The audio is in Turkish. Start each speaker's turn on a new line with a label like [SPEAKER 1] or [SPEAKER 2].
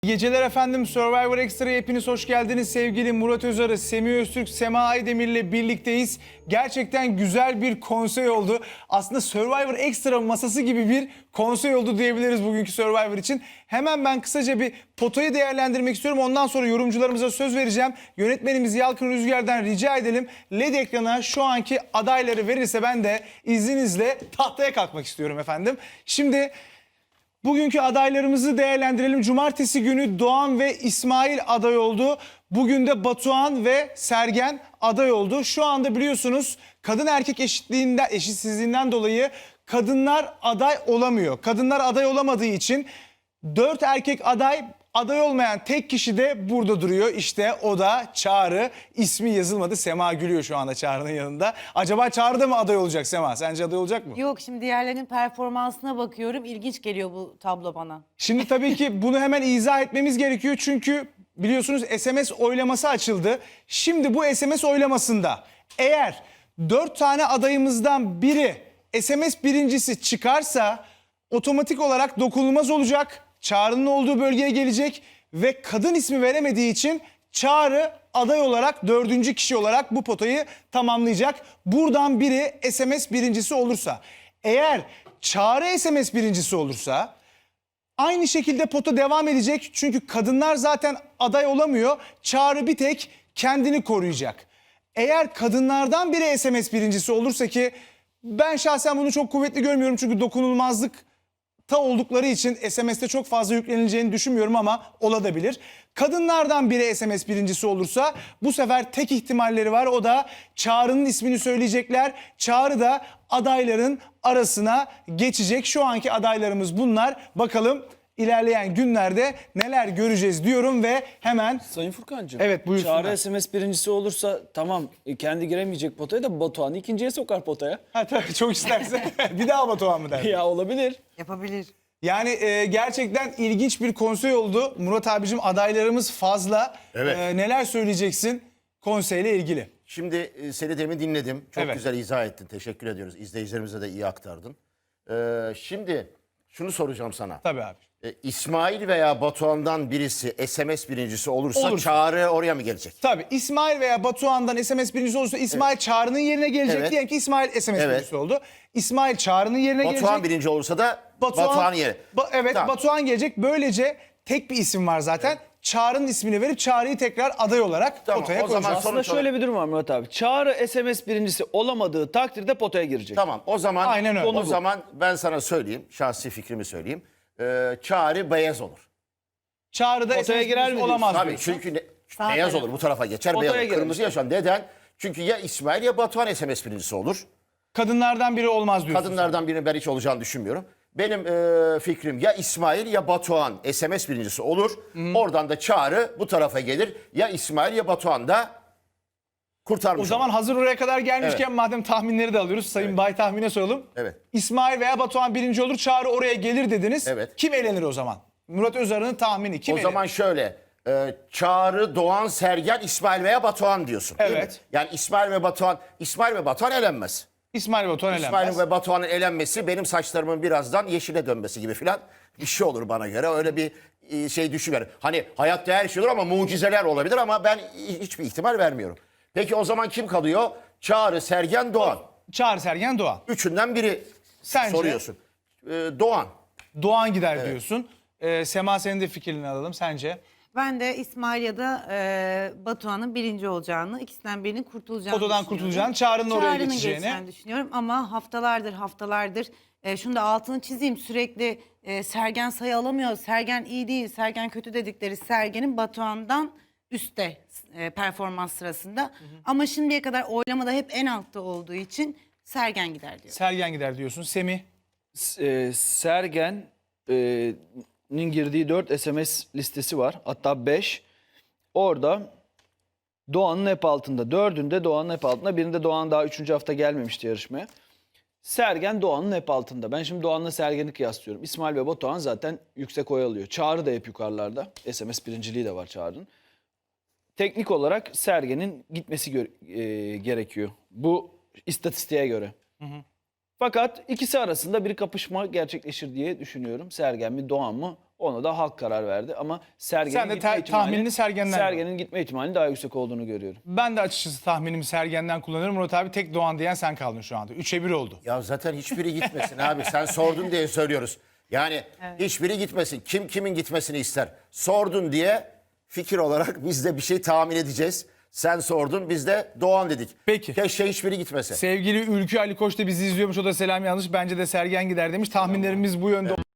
[SPEAKER 1] İyi geceler efendim. Survivor Extra'ya hepiniz hoş geldiniz. Sevgili Murat Özarı, Semih Öztürk, Sema Aydemir'le birlikteyiz. Gerçekten güzel bir konsey oldu. Aslında Survivor Extra masası gibi bir konsey oldu diyebiliriz bugünkü Survivor için. Hemen ben kısaca bir potayı değerlendirmek istiyorum. Ondan sonra yorumcularımıza söz vereceğim. Yönetmenimiz Yalkın Rüzgar'dan rica edelim. LED ekrana şu anki adayları verirse ben de izninizle tahtaya kalkmak istiyorum efendim. Şimdi bugünkü adaylarımızı değerlendirelim. Cumartesi günü Doğan ve İsmail aday oldu. Bugün de Batuhan ve Sergen aday oldu. Şu anda biliyorsunuz kadın erkek eşitsizliğinden dolayı kadınlar aday olamıyor. Kadınlar aday olamadığı için 4 erkek aday olmayan tek kişi de burada duruyor. İşte o da Çağrı. İsmi yazılmadı. Sema gülüyor şu anda Çağrı'nın yanında. Acaba Çağrı da mı aday olacak Sema? Sence aday olacak mı?
[SPEAKER 2] Yok, şimdi diğerlerinin performansına bakıyorum. İlginç geliyor bu tablo bana.
[SPEAKER 1] Şimdi tabii ki bunu hemen izah etmemiz gerekiyor. Çünkü biliyorsunuz SMS oylaması açıldı. Şimdi bu SMS oylamasında eğer 4 tane adayımızdan biri SMS birincisi çıkarsa otomatik olarak dokunulmaz olacak. Çağrı'nın olduğu bölgeye gelecek ve kadın ismi veremediği için Çağrı aday olarak 4. kişi olarak bu potayı tamamlayacak. Buradan biri SMS birincisi olursa, eğer Çağrı SMS birincisi olursa aynı şekilde pota devam edecek. Çünkü kadınlar zaten aday olamıyor. Çağrı bir tek kendini koruyacak. Eğer kadınlardan biri SMS birincisi olursa, ki ben şahsen bunu çok kuvvetli görmüyorum. Çünkü dokunulmazlık oldukları için SMS'te çok fazla yüklenileceğini düşünmüyorum ama olabilir. Kadınlardan biri SMS birincisi olursa bu sefer tek ihtimalleri var. O da Çağrı'nın ismini söyleyecekler. Çağrı da adayların arasına geçecek. Şu anki adaylarımız bunlar. Bakalım ilerleyen günlerde neler göreceğiz diyorum ve hemen...
[SPEAKER 3] Sayın Furkancığım.
[SPEAKER 1] Evet, buyursunlar.
[SPEAKER 3] Çağrı SMS birincisi olursa tamam, kendi giremeyecek potaya da Batuhan'ı ikinciye sokar potaya.
[SPEAKER 1] Ha tabii, çok isterse bir daha Batuhan mı der?
[SPEAKER 3] Ya olabilir.
[SPEAKER 2] Yapabilir.
[SPEAKER 1] Yani gerçekten ilginç bir konsey oldu. Murat abicim, adaylarımız fazla.
[SPEAKER 4] Evet.
[SPEAKER 1] Neler söyleyeceksin konseyle ilgili?
[SPEAKER 4] Şimdi seni demin dinledim. Çok
[SPEAKER 1] Evet.
[SPEAKER 4] güzel izah ettin. Teşekkür ediyoruz. İzleyicilerimize de iyi aktardın. Şimdi şunu soracağım sana.
[SPEAKER 1] Tabii abi.
[SPEAKER 4] İsmail veya Batuhan'dan birisi SMS birincisi olursa
[SPEAKER 1] Olursa.
[SPEAKER 4] Çağrı oraya mı gelecek?
[SPEAKER 1] Tabii İsmail veya Batuhan'dan SMS birincisi olursa İsmail Çağrı'nın yerine gelecek.
[SPEAKER 4] Evet.
[SPEAKER 1] Diyelim ki İsmail SMS
[SPEAKER 4] Evet.
[SPEAKER 1] birincisi oldu. İsmail Çağrı'nın yerine
[SPEAKER 4] Batuhan
[SPEAKER 1] gelecek.
[SPEAKER 4] birinci olursa da Batuhan yeri.
[SPEAKER 1] Evet,
[SPEAKER 4] Tamam.
[SPEAKER 1] Batuhan gelecek. Böylece tek bir isim var zaten. Çağrı'nın ismini verip Çağrı'yı tekrar aday olarak
[SPEAKER 4] Tamam,
[SPEAKER 1] potaya
[SPEAKER 4] o zaman
[SPEAKER 1] koyacağız.
[SPEAKER 3] Aslında
[SPEAKER 4] sonuç
[SPEAKER 3] şöyle bir durum var Murat abi. Çağrı SMS birincisi olamadığı takdirde potaya girecek.
[SPEAKER 4] Tamam, o zaman
[SPEAKER 1] Aynen öyle.
[SPEAKER 4] o zaman ben sana söyleyeyim, şahsi fikrimi söyleyeyim. Çağrı beyaz olur.
[SPEAKER 1] Çağrı'da SMS
[SPEAKER 3] Potaya girer
[SPEAKER 1] birincisi
[SPEAKER 3] mi
[SPEAKER 1] olamaz
[SPEAKER 4] Tabii,
[SPEAKER 1] diyorsun.
[SPEAKER 4] çünkü
[SPEAKER 2] Sağ
[SPEAKER 4] beyaz
[SPEAKER 2] taraf.
[SPEAKER 4] olur, bu tarafa geçer,
[SPEAKER 3] Potaya
[SPEAKER 4] beyaz olur.
[SPEAKER 3] girer.
[SPEAKER 4] Kırmızı yaşan. Neden? Çünkü ya İsmail ya Batuhan SMS birincisi olur.
[SPEAKER 1] Kadınlardan biri olmaz diyorsun.
[SPEAKER 4] Kadınlardan birinin ben hiç olacağını düşünmüyorum. Benim fikrim ya İsmail ya Batuhan SMS birincisi olur. Oradan da Çağrı bu tarafa gelir. Ya İsmail ya Batuhan da kurtarmış
[SPEAKER 1] O zaman
[SPEAKER 4] olur.
[SPEAKER 1] hazır oraya kadar gelmişken madem tahminleri de alıyoruz. Sayın Bay tahmine soralım.
[SPEAKER 4] Evet.
[SPEAKER 1] İsmail veya Batuhan birinci olur, Çağrı oraya gelir dediniz.
[SPEAKER 4] Evet.
[SPEAKER 1] Kim elenir o zaman? Murat Özarı'nın tahmini kim
[SPEAKER 4] O
[SPEAKER 1] elenir?
[SPEAKER 4] zaman şöyle, Çağrı, Doğan, Sergen, İsmail veya Batuhan diyorsun. Değil mi?
[SPEAKER 1] Evet.
[SPEAKER 4] Yani İsmail ve Batuhan elenmez.
[SPEAKER 1] İsmail ve Batuhan elenmez.
[SPEAKER 4] İsmail ve Batuhan'ın elenmesi benim saçlarımın birazdan yeşile dönmesi gibi filan bir şey olur bana göre. Öyle bir şey düşünüyorum. Hani hayatta her şey olur ama mucizeler olabilir ama ben hiçbir ihtimal vermiyorum. Peki o zaman kim kalıyor? Çağrı, Sergen, Doğan.
[SPEAKER 1] Çağrı, Sergen, Doğan.
[SPEAKER 4] Üçünden biri
[SPEAKER 1] Sence?
[SPEAKER 4] soruyorsun. Doğan.
[SPEAKER 1] Doğan gider diyorsun. Sema, senin de fikrini alalım. Sence?
[SPEAKER 2] Ben de İsmail ya da Batuhan'ın birinci olacağını, ikisinden birinin kurtulacağını
[SPEAKER 1] Potadan
[SPEAKER 2] düşünüyorum.
[SPEAKER 1] kurtulacağını, Çağrı'nın oraya
[SPEAKER 2] Çağrı'nın
[SPEAKER 1] geçeceğini.
[SPEAKER 2] geçeceğini düşünüyorum ama haftalardır şunu da altını çizeyim, sürekli Sergen sayı alamıyor, Sergen iyi değil, Sergen kötü dedikleri Sergen'in Batuhan'dan üstte performans sırasında. Ama şimdiye kadar oylamada hep en altta olduğu için Sergen gider diyor.
[SPEAKER 1] Sergen gider diyorsun. Semih?
[SPEAKER 3] Sergen'in girdiği 4 SMS listesi var. Hatta 5. Orada Doğan'ın hep altında. 4'ünde Doğan'ın hep altında. Birinde Doğan daha 3. hafta gelmemişti yarışmaya. Sergen Doğan'ın hep altında. Ben şimdi Doğan'la Sergen'i kıyaslıyorum. İsmail ve Batuhan zaten yüksek oy alıyor. Çağrı da hep yukarılarda. SMS birinciliği de var Çağrı'nın. Teknik olarak Sergen'in gitmesi gerekiyor. Bu istatistiğe göre. Fakat ikisi arasında bir kapışma gerçekleşir diye düşünüyorum. Sergen mi Doğan mı? Ona da halk karar verdi ama Sergen'in
[SPEAKER 1] Sen de
[SPEAKER 3] gitme ihtimali-
[SPEAKER 1] tahminini Sergen'den
[SPEAKER 3] Sergen'in gitme ihtimali daha yüksek olduğunu görüyorum.
[SPEAKER 1] Ben de açıkçası tahminimi Sergen'den kullanırım. Murat abi tek Doğan diyen sen kaldın şu anda. 3'e 1 oldu.
[SPEAKER 4] Ya zaten hiçbiri gitmesin abi. Sen sordun diye söylüyoruz. Yani hiçbiri gitmesin. Kim kimin gitmesini ister? Sordun diye fikir olarak biz de bir şey tahmin edeceğiz. Sen sordun, biz de Doğan dedik.
[SPEAKER 1] Peki.
[SPEAKER 4] Keşke hiçbiri gitmese.
[SPEAKER 1] Sevgili Ülkü Ali Koç da bizi izliyormuş. O da selam yanlış. Bence de Sergen gider demiş. Tahminlerimiz bu yönde.